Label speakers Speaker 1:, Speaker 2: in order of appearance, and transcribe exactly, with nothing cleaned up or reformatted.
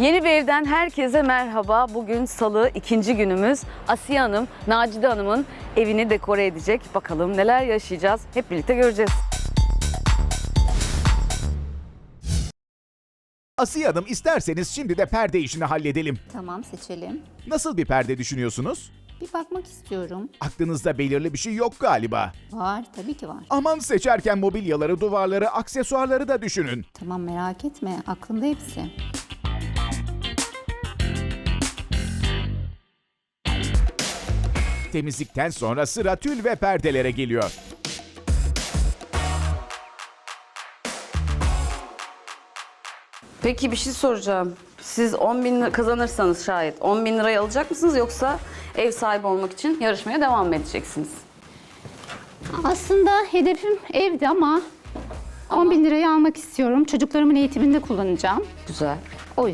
Speaker 1: Yeni bir evden herkese merhaba. Bugün Salı, ikinci günümüz. Asiye Hanım, Nacide Hanım'ın evini dekore edecek. Bakalım neler yaşayacağız. Hep birlikte göreceğiz.
Speaker 2: Asiye Hanım, isterseniz şimdi de perde işini halledelim.
Speaker 3: Tamam, seçelim.
Speaker 2: Nasıl bir perde düşünüyorsunuz?
Speaker 3: Bir bakmak istiyorum.
Speaker 2: Aklınızda belirli bir şey yok galiba.
Speaker 3: Var, tabii ki var.
Speaker 2: Aman, seçerken mobilyaları, duvarları, aksesuarları da düşünün.
Speaker 3: Tamam, merak etme. Aklımda hepsi.
Speaker 2: Temizlikten sonra sıra tül ve perdelere geliyor.
Speaker 1: Peki bir şey soracağım. Siz on bin lira kazanırsanız şayet on bin lirayı alacak mısınız yoksa ev sahibi olmak için yarışmaya devam mı edeceksiniz?
Speaker 3: Aslında hedefim evdi ama on bin lirayı almak istiyorum. Çocuklarımın eğitiminde kullanacağım.
Speaker 1: Güzel.